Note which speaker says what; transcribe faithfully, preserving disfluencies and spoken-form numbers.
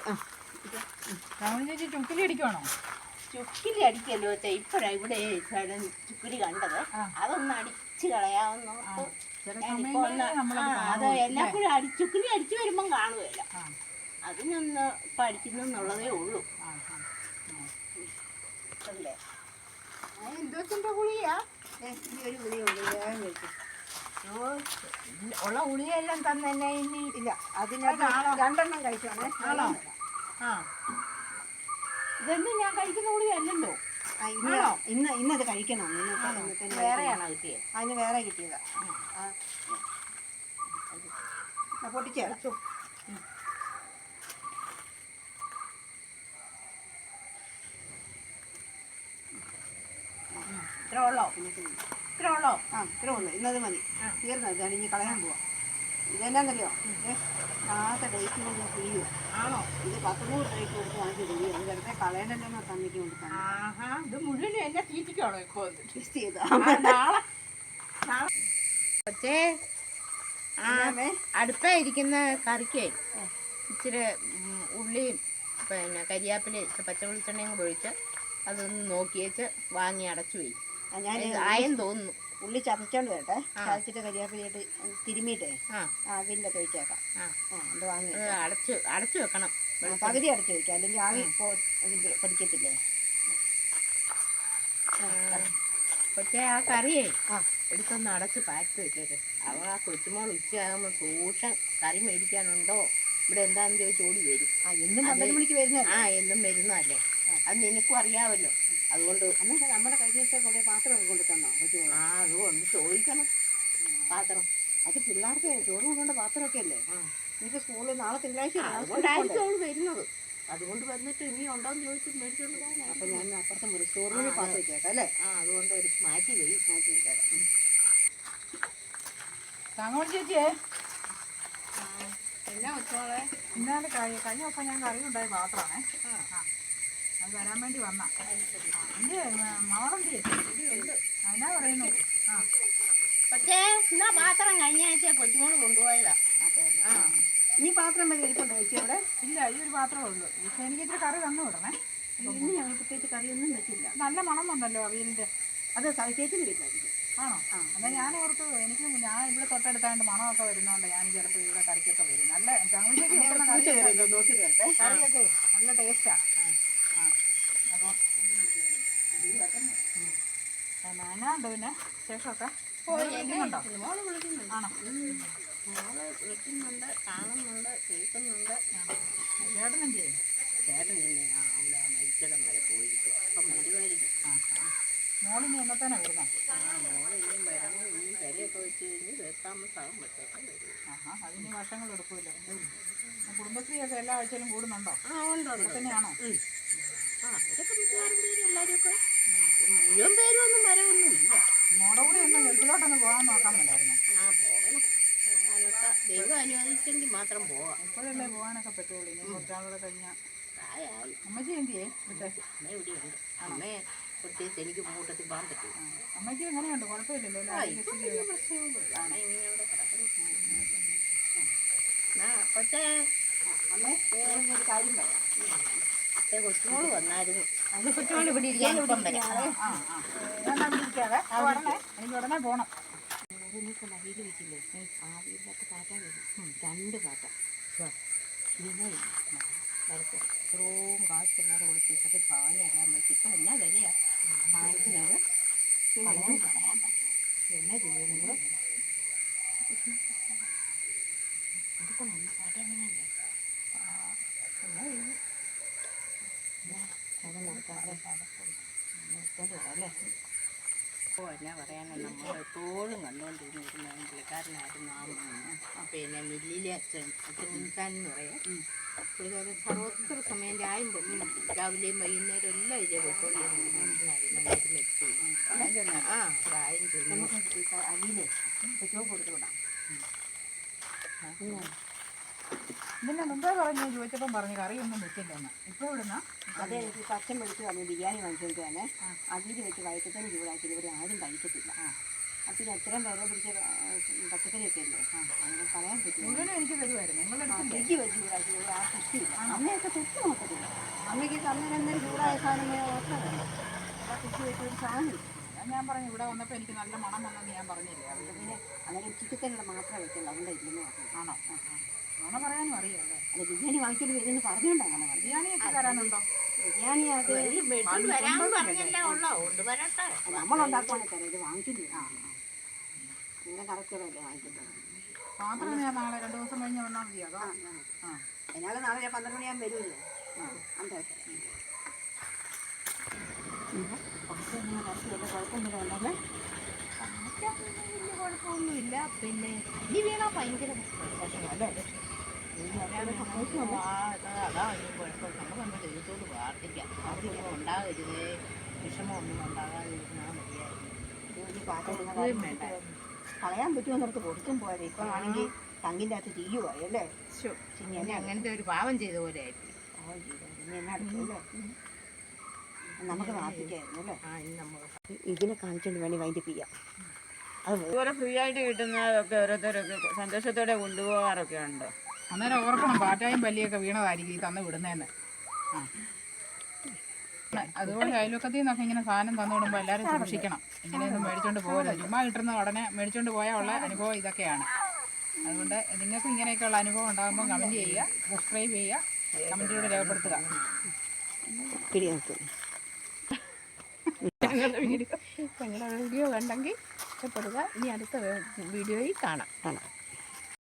Speaker 1: ചേച്ചി ചുക്കിലി അടിക്കുവാണോ?
Speaker 2: ചുക്കിലി അടിക്കല്ലോ വെച്ചാൽ ഇപ്പഴാ ഇവിടെ ചുക്കിലി കണ്ടത്. അതൊന്ന് അടിച്ചു കളയാവുന്ന അത് എല്ലാപ്പോഴും അടി ചുക്കിലി അടിച്ചു വരുമ്പം കാണുകയല്ല. അതിനൊന്ന് ഇപ്പം അടിക്കുന്നുള്ളതേ ഉള്ളൂ. അല്ലേ
Speaker 1: എന്തോത്തിന്റെ ഗുളിയാ?
Speaker 2: ഈ ഒരു ഗുളിയുള്ളൂ, വേഗം കഴിക്കും.
Speaker 1: ഉള്ള ഗുളിയെല്ലാം തന്നെ ഇനി
Speaker 2: ഇല്ല, അതിനകത്ത് രണ്ടെണ്ണം കഴിച്ചോണേ.
Speaker 1: ആണോ? ആ, ഇതൊന്നും ഞാൻ കഴിക്കുന്ന ഗുളിയല്ലല്ലോ.
Speaker 2: ഇന്ന് ഇന്നത് കഴിക്കണം.
Speaker 1: വേറെയാണോ കിട്ടിയത്?
Speaker 2: അതിന് വേറെ കിട്ടിയതാ. പൊട്ടിച്ച് അടച്ചു.
Speaker 1: ഇത്ര ഉള്ളോ? ഇത്ര ഉള്ളോ?
Speaker 2: ആ, ഇത്ര ഉള്ളു. ഇന്നത് മതി. തീർന്നത് അടിഞ്ഞ് കളയാൻ പോവാം. ഇതെന്നാന്നറിയോ? ആദ്യത്തെ ഡേറ്റ് കൊണ്ട് കുഴിയോ?
Speaker 1: ആണോ?
Speaker 2: ഇത് പത്തുനൂറ് ഡേറ്റ് കൊടുത്ത് വാങ്ങിച്ച് കുഴിയോ? ഇത് വെറുതെ കളയണ്ടല്ലോ തന്നിക്ക് കൊടുക്കാൻ.
Speaker 1: ഇത് മുഴുവൻ എന്നെ തീറ്റിക്കാണോ ഇപ്പൊ?
Speaker 2: ടെസ്റ്റ് ചെയ്താ
Speaker 1: പക്ഷേ അടുപ്പേ ഇരിക്കുന്ന കറിക്ക് ഇച്ചിരി ഉള്ളിയും പിന്നെ കരിയാപ്പിലയും പച്ച വെളിച്ചെണ്ണയും കൂടെ ഒഴിച്ച് അതൊന്ന് നോക്കിയേച്ച് വാങ്ങി അടച്ചു പോയി.
Speaker 2: ഞാൻ
Speaker 1: ആയം തോന്നുന്നു.
Speaker 2: ഉള്ളി ചതച്ചോണ്ട് വരട്ടെ. ചതച്ചിട്ട് കരിയാപ്പിലായിട്ട് തിരുമിയിട്ടേ ആവിയിലൊക്കെ ഒഴിച്ചേക്കാം. അത് വാങ്ങി
Speaker 1: അടച്ചു അടച്ചു വെക്കണം.
Speaker 2: പകുതി അടച്ചു വെക്കാം, അല്ലെങ്കിൽ ആവി പഠിക്കത്തില്ലേ.
Speaker 1: പക്ഷേ ആ കറിയേ എടുത്തൊന്ന് അടച്ച് പാക്ക് വെച്ചേര്. അവ ആ കൊച്ചുമോൾ ഉച്ചയാകുമ്പോൾ സൂക്ഷം കറി മേടിക്കാനുണ്ടോ ഇവിടെ എന്താണെന്ന് ചോദിച്ച് ഓടി വരും.
Speaker 2: ആ എന്നും പന്ത്രണ്ട് മണിക്ക് വരുന്ന
Speaker 1: ആ എന്നും വരുന്നതല്ലേ, അത് നിനക്കും അറിയാമല്ലോ. അതുകൊണ്ട്
Speaker 2: അന്നേരം നമ്മുടെ കഴിഞ്ഞ ദിവസം കുറേ പാത്രമൊക്കെ കൊണ്ട് തന്നോ?
Speaker 1: ആ അതുകൊണ്ട് ചോദിക്കണം പാത്രം.
Speaker 2: അത് പിള്ളേർക്ക് ചോറ് കൊണ്ടുകൊണ്ട് പാത്രമൊക്കെ അല്ലേ. ഇനിയിപ്പോൾ സ്കൂളിൽ നാളെ തിങ്കളാഴ്ച
Speaker 1: അതുകൊണ്ടായിരിക്കും അവൾ വരുന്നത്. അതുകൊണ്ട് വന്നിട്ട് ഇനി ഉണ്ടോന്ന് ചോദിച്ചിട്ട് മേടിച്ചോണ്ട് പോകാൻ.
Speaker 2: അപ്പം ഞാൻ അപ്പുറത്തെ മുറി സ്റ്റോർ റൂമിൽ പാത്രം വെച്ചേക്കാം അല്ലേ.
Speaker 1: ആ അതുകൊണ്ട് എടുത്ത് മാറ്റി വരും.
Speaker 2: മാറ്റി വെച്ചേക്കാം.
Speaker 1: തങ്ങോട്ട് ചേച്ചിയേ, എന്നാ വെച്ചോളെ? ഇന്നാല് കഴിഞ്ഞ കഴിഞ്ഞ ദിവസം ഞാൻ കറി ഉണ്ടായ പാത്രമാണേ. ആ അത് വരാൻ വേണ്ടി വന്ന എന്ത് മകളെന്ത് അതിനാ പറയുന്നു. ആ പക്ഷേ എന്നാ പാത്രം കഴിഞ്ഞ ആഴ്ച കൊച്ചുമോള് കൊണ്ടുപോയതാ.
Speaker 2: ആ ഇനി പാത്രം വരെ ഇരിപ്പുണ്ടോ ചേച്ചി അവിടെ?
Speaker 1: ഇല്ല, ഈ ഒരു പാത്രമേ ഉള്ളൂ. പക്ഷെ എനിക്ക് ഇത്തിരി കറി തന്നു വിടണേ.
Speaker 2: ഇന്ന് ഞങ്ങൾ പ്രത്യേകിച്ച് കറിയൊന്നും വെച്ചില്ല.
Speaker 1: നല്ല മണം ഉണ്ടല്ലോ അവിയലിൻ്റെ.
Speaker 2: അത് ചേച്ചിന് വീട്ടിലായിരിക്കും.
Speaker 1: ആണോ? ആ എന്നാൽ ഞാൻ ഓർത്ത് എനിക്ക് ഞാൻ ഇവിടെ തൊട്ടടുത്തായിട്ട് മണമൊക്കെ വരുന്നതുകൊണ്ട് ഞാൻ ചിലപ്പോൾ ഇവിടെ കറിക്കൊക്കെ വരും. നല്ല ചങ്ങുച്ചേക്ക് കറിയൊക്കെ നല്ല ടേസ്റ്റാണ്. ആ അപ്പോൾ ഞാനുണ്ട് പിന്നെ ശേഷമൊക്കെ വിളിക്കുന്നുണ്ടോ?
Speaker 2: മോള് വിളിക്കുന്നുണ്ട്.
Speaker 1: ആണോ?
Speaker 2: മോള് വിളിക്കുന്നുണ്ട്, കാണുന്നുണ്ട്, കേൾക്കുന്നുണ്ട്.
Speaker 1: ചേട്ടൻ എന്ത് ചെയ്യും?
Speaker 2: ചേട്ടൻ തന്നെ ആ അവിടെ മരിച്ചിടം വരെ പോയിരിക്കും. അപ്പം വരുമായിരിക്കും.
Speaker 1: ആ മോളിനി എന്നത്തേനാണ് വരുന്നത്?
Speaker 2: ആ മോള് ഇനിയും വരണം. ഇനിയും പെരയൊക്കെ വെച്ച് കഴിഞ്ഞ് വീട്ടാമസാകും പറ്റൊക്കെ വരും.
Speaker 1: ആഹാ, അതിന് വർഷങ്ങൾ എടുക്കുമല്ലോ. കുടുംബശ്രീയൊക്കെ എല്ലാ ആഴ്ചയിലും കൂടുന്നുണ്ടോ?
Speaker 2: ആ ഉണ്ട്.
Speaker 1: ഇവിടെ തന്നെയാണോ?
Speaker 2: ആ അവരൊക്കെ മിക്കവാറും പേരും എല്ലാവരും ഒക്കെ മുഴുവൻ പേരും ഒന്നും വരവൊന്നും ഇല്ല.
Speaker 1: മോടെ കൂടെ ഒന്ന് ഗൾഫിലോട്ടൊന്ന് പോകാൻ നോക്കാൻ മേലായിരുന്നു.
Speaker 2: ആ പോകണം. പോകാനൊക്കെ ദൈവം അനുവദിച്ചെങ്കിൽ മാത്രം പോകാം.
Speaker 1: ഇപ്പോഴല്ലേ പോകാനൊക്കെ പറ്റുള്ളൂ. ഇനി കുറച്ചാളൂടെ കഴിഞ്ഞാൽ
Speaker 2: പ്രായമായി.
Speaker 1: അമ്മച്ചി എന്ത് ചെയ്യേ?
Speaker 2: അമ്മ ഇവിടെയുണ്ട്. അമ്മയെ പ്രത്യേകിച്ച് എനിക്ക് കൂട്ടത്തിൽ പോകാൻ പറ്റും.
Speaker 1: അമ്മയ്ക്ക് എങ്ങനെയുണ്ട്? കുഴപ്പമില്ലല്ലോ?
Speaker 2: പ്രശ്നമൊന്നുമില്ല. അമ്മ ഇങ്ങനെ അവിടെ കിടക്കുന്നു. പക്ഷേ അമ്മേ ഒരു കാര്യം പറയാം. കൊച്ചുമോള് വന്നായിരുന്നു. അന്ന് കൊച്ചുമോള് ഇവിടെ ഇരിക്കാൻ ഇപ്പം വരാം.
Speaker 1: ആ ആ ഇരിക്കാതെ എനിക്ക് ഉടനെ പോകണം.
Speaker 2: വീട് വെച്ചില്ലേ ആ വീട്ടിലൊക്കെ പാറ്റ വരും. രണ്ട് പാറ്റ പിന്നെ വരട്ടെ ഇത്രയും കാശില്ലാതെ കൊടുത്തിട്ടൊക്കെ സാധനമെല്ലാം വെച്ച് ഇപ്പം എന്നാ വിലയാ സാധനത്തിനത് പറയാൻ പറയാൻ പറ്റും. എന്നാ ചെയ്യുക നിങ്ങൾ എടുക്കണം. പാറ്റ എങ്ങനെയല്ലേ എന്നാ ചെയ്യും? അത് നോക്കാതെ എടുത്തോണ്ട് വരാം അല്ലേ. അപ്പോൾ എന്നാ പറയാനാണ്, നമ്മൾ എപ്പോഴും കണ്ടുകൊണ്ടിരുന്ന ഒരു പുള്ളിക്കാരനായിരുന്നു ആ പിന്നെ മില്ലിലെ അച്ഛൻ അച്ഛൻ മുൻകാൻ എന്ന് പറയാം. പുള്ളിക്കാരൻ സർവത്ര സമയം ചായം രാവിലെയും വൈകുന്നേരം എല്ലാം ഇതേ പൊക്കോണ്ടിരുന്ന മനുഷ്യനായിരുന്നു. മരുന്ന് ആ പ്രായം ചെല്ലും അരിയിലെ ചോപ്പ് കൊടുത്തു വിടാം.
Speaker 1: ഇതിൻ്റെ മുമ്പേ പറഞ്ഞു ചോദിച്ചപ്പം പറഞ്ഞു കറിയൊന്നും വെച്ചില്ലെന്ന്. ഇപ്പോൾ ഇവിടുന്ന
Speaker 2: അതെ എനിക്ക് പച്ചൻ മേടിച്ച് വന്നു ബിരിയാണി വാങ്ങിച്ചുകൊണ്ട് തന്നെ അവിയിൽ വെച്ച് വൈകിട്ടത്തേന് ചൂടാക്കി ഇവിടെ ആരും കഴിക്കത്തില്ല.
Speaker 3: പിന്നെ എത്രയും വില പിടിച്ച പച്ചക്കറിയൊക്കെ അല്ലേ ആ അങ്ങനെ പറയാൻ പറ്റില്ല.
Speaker 1: മുഴുവനും എനിക്ക് തരുമായിരുന്നു. നിങ്ങളെടുത്തില്ലേ?
Speaker 3: ഫ്രിഡ്ജ് വെച്ച് ചൂടാക്കി ആ കുറ്റിയില്ല. അമ്മയൊക്കെ തൊട്ട് നോക്കത്തില്ല. അമ്മയ്ക്ക് അന്നേരം ചൂടായ സാധനം ഓർമ്മ ആ കുറ്റി വെച്ച് ഒരു സാധനം.
Speaker 1: ഞാൻ പറഞ്ഞു ഇവിടെ വന്നപ്പോൾ എനിക്ക് നല്ല മണം വന്നെന്ന് ഞാൻ പറഞ്ഞില്ലേ.
Speaker 3: അതുകൊണ്ട് പിന്നെ അന്നേരം ഉച്ചക്കത്തേനുള്ള മാത്രമേ വെക്കുള്ളൂ. അതുകൊണ്ട് ഇല്ലെന്ന് പറഞ്ഞു.
Speaker 1: ആണോ? മണം പറയാനും അറിയാമല്ലേ.
Speaker 3: അത് ബിരിയാണി വാങ്ങിച്ചോണ്ട് വരുമെന്ന് പറഞ്ഞുകൊണ്ട് അങ്ങനെ പറഞ്ഞു.
Speaker 1: ബിരിയാണിയൊക്കെ തരാനുണ്ടോ?
Speaker 3: ബിരിയാണി അത്
Speaker 2: വരാൻ പറഞ്ഞല്ലേ ഉള്ളോ കൊണ്ട് വരട്ടെ.
Speaker 3: നമ്മളുണ്ടാക്കുവാണെങ്കിൽ തരാം. ഇത് വാങ്ങിച്ചോണ്ട് വരും. അങ്ങനെ കറക്റ്റല്ലേ വാങ്ങിക്കുന്നത്.
Speaker 1: പാത്രം ഞാൻ നാളെ രണ്ട് ദിവസം കഴിഞ്ഞ് വന്നാൽ മതി. അതോ ആ
Speaker 3: അതിനാൾ നാളെ പന്ത്രണ്ട് മണിയാകുമ്പോൾ വരുമല്ലോ. ആ അതെ പാത്രം ഇങ്ങനെ കറക്റ്റ് വല്ല കുഴപ്പമൊന്നുമില്ല ഉണ്ടല്ലേ.
Speaker 2: വലിയ കുഴപ്പമൊന്നുമില്ല. പിന്നെ ഇനി വീണാൽ ഭയങ്കര
Speaker 1: അല്ലേ?
Speaker 2: അതാ വലിയ കുഴപ്പം. നമ്മൾ നമ്മുടെ ദൈവത്തോട് പ്രാർത്ഥിക്കാം. അവർക്കൊന്നും ഉണ്ടാകരുതേ, വിഷമമൊന്നും ഉണ്ടാകാതിരുന്നാൽ മതിയായിരുന്നു.
Speaker 3: ഈ പാത്രം
Speaker 2: വേണ്ട.
Speaker 3: കളയാൻ പറ്റുമോ നമുക്ക് പൊടിച്ചും പോയത്. ഇപ്പം ആണെങ്കിൽ തങ്ങിൻ്റെ അകത്ത് തീയുമായി അല്ലേ.
Speaker 2: ഇനി അങ്ങനത്തെ ഒരു പാവം ചെയ്ത പോലെ ആയിരിക്കും.
Speaker 3: പാവം ചെയ്തു. ഇനി എന്നാ അടുത്തല്ലേ നമുക്ക് പ്രാർത്ഥിക്കായിരുന്നു അല്ലേ.
Speaker 2: ആ ഇനി നമ്മൾ
Speaker 3: ഇതിനെ കാണിച്ചുകൊണ്ട് വേണ്ടി വൈൻഡപ്പ് ചെയ്യാം. അത്
Speaker 4: ഇതുപോലെ ഫ്രീ ആയിട്ട് കിട്ടുന്നതൊക്കെ ഓരോരുത്തരൊക്കെ സന്തോഷത്തോടെ കൊണ്ടുപോകാറൊക്കെ ഉണ്ട്.
Speaker 1: അന്നേരം ഓർക്കണം പാറ്റായും പല്ലിയൊക്കെ വീണതായിരിക്കും ഈ തന്ന് വിടുന്നതെന്ന്. ആ അതുപോലെ അയൽവക്കത്തിൽ നിന്നൊക്കെ ഇങ്ങനെ സാധനം തന്നു വിടുമ്പോൾ എല്ലാവരും സൂക്ഷിക്കണം. ഇങ്ങനെയൊന്നും മേടിച്ചോണ്ട് പോകരുത്. ചുമ്മാ കിട്ടുന്ന ഉടനെ മേടിച്ചോണ്ട് പോയാൽ ഉള്ള അനുഭവം ഇതൊക്കെയാണ്. അതുകൊണ്ട് നിങ്ങൾക്കും ഇങ്ങനെയൊക്കെയുള്ള അനുഭവം ഉണ്ടാകുമ്പോൾ കമൻറ്റ് ചെയ്യുക, സബ്സ്ക്രൈബ് ചെയ്യുക, കമൻറ്റിലൂടെ രേഖപ്പെടുത്തുക.
Speaker 3: പിടി നോക്കും.
Speaker 2: ഞങ്ങളുടെ വീഡിയോ ഞങ്ങളുടെ വീഡിയോ കണ്ടെങ്കിൽ ഇഷ്ടപ്പെടുക. ഇനി അടുത്ത വീഡിയോയിൽ കാണാം.
Speaker 3: കാണാം.